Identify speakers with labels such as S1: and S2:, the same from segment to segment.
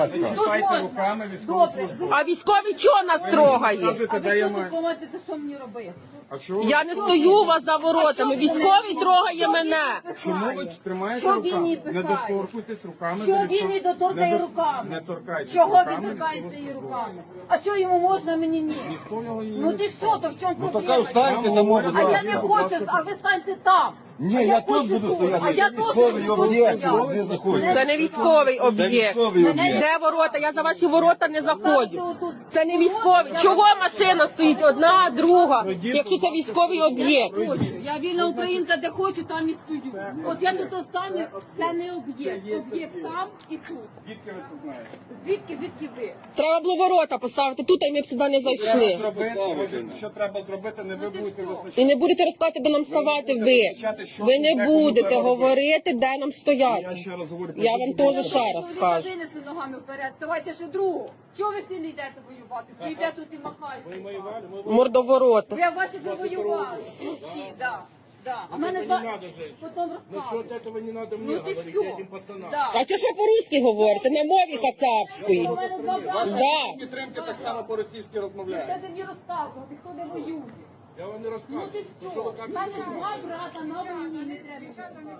S1: Чіпайте руками військову службу.
S2: А військові чого нас трогає?
S1: Показуйте, де я маю.
S3: Думаєте, що мені робити?
S1: А чого?
S2: Я не стою у вас за воротами. Військовий трогає мене.
S1: Чому ви тримаєте
S3: Що він
S1: руками?
S3: її
S1: Не
S3: пихає?
S1: доторкуйтесь руками.
S3: Що
S1: до
S3: він
S1: військового-
S3: не доторкає
S1: Не до-
S3: руками?
S1: Не торкайтесь
S3: Чого
S1: руками
S3: він торкається її
S1: військовослужбовця.
S3: руками? А чого йому можна, мені ні?
S1: Ніхто його її
S3: Ну
S1: не
S3: ти що, то в чому проблема?
S4: Така встаньте на моду.
S3: А я не хочу, а ви станьте там.
S4: Ні,
S3: А
S4: я тут
S3: хочу
S4: буду стояти.
S3: А я
S4: Це
S3: теж
S4: військовий
S3: тут
S4: об'єкт,
S3: стояти.
S4: ви заходите.
S2: Це не військовий
S4: Це
S2: об'єкт.
S4: військовий об'єкт.
S2: Де ворота? Я за ваші ворота не заходжу. Це не військовий. Чого машина стоїть? Одна, друга. Якщо це військовий об'єкт.
S3: Хочу. Я вільна українка, де хочу, там і стою. От я тут останню, це не об'єкт. Об'єкт там і тут.
S1: Звідки ви це знаєте?
S3: Звідки ви?
S2: Треба було ворота поставити тут, а ми б сюди не
S1: Треба
S2: зайшли.
S1: зробити, що треба зробити, не ви будете визначати.
S2: І не будете розказувати, де нам ставати ви. Ви не будете говорити, де нам стояти.
S1: Я ще раз говорю,
S2: Я вам теж ще раз
S3: Ви
S2: скажу.
S3: винесли ногами вперед, давайте ще другу. Чого ви всі не йдете воювати? Стоїте тут і махаєте.
S2: Мордоворота.
S3: Ви бачите, воювали. Вночі, да. Да. А мене потім розказують.
S5: Этого не надо мне
S3: Ну ти
S5: говорить
S3: все.
S5: этим пацанам.
S3: Да.
S2: А чого ж ви по-русски говорите? На мові кацапської.
S3: У мене два брата.
S2: Да.
S1: підтримки так само по-російськи розмовляють.
S3: Де ти мені розказувати, хто не воює?
S5: Я вам не
S3: Ну
S5: рассказываю.
S3: ти все. У мене два брата на війні, не треба.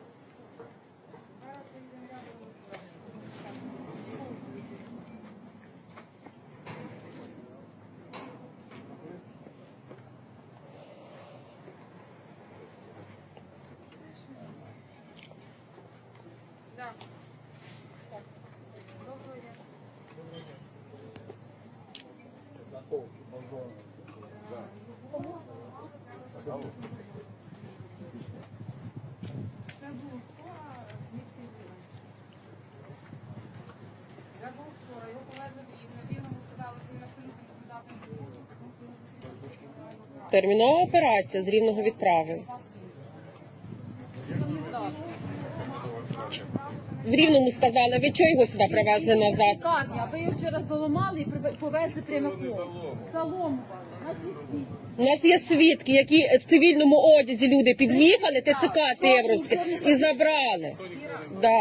S6: Я був вчора, його повезли в Рівне. В Рівному сказали, що він абсолютно непридатний був.
S2: Термінова операція з Рівного відправи. В Рівному сказали, ви чого його сюди привезли назад?
S3: Лікарня, ви його вчора заламали і повезли прямиком. Заломували.
S2: У нас є свідки, які в цивільному одязі люди під'їхали, ТЦК Тевровське, і забрали. Да.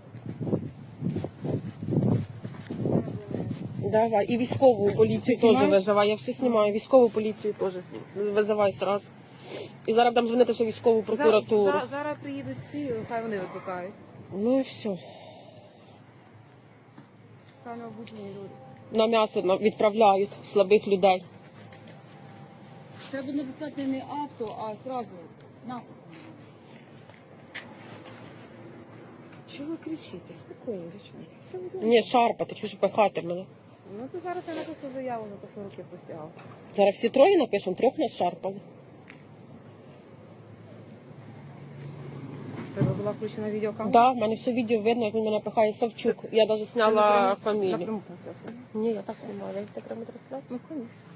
S2: Давай, і військову поліцію теж визивай. Я все знімаю, військову поліцію теж визивай одразу. І зараз будемо дзвонити ще військову прокуратуру.
S6: Зараз приїдуть ці, хай вони викликають.
S2: Ну і все.
S6: Саме обучені люди.
S2: На м'ясо відправляють слабих людей.
S3: Треба достати не авто, а одразу на.
S6: Чого ви кричите? Спокійно, дівчонки.
S2: Ні, шарпати, чого ж пихати мене.
S6: Ну то зараз я напишу заяву за те, що руки посягав.
S2: Зараз всі троє напишемо, трьох нас шарпали.
S6: Тебе була включена відеокамера?
S2: Да, в мене все відео видно, як він мене пихає Савчук. Я навіть зняла фамілію.
S6: Напряму трансляцію.
S2: Ні, я так знімала, я так прямо трансляцію.
S6: Ну, звісно.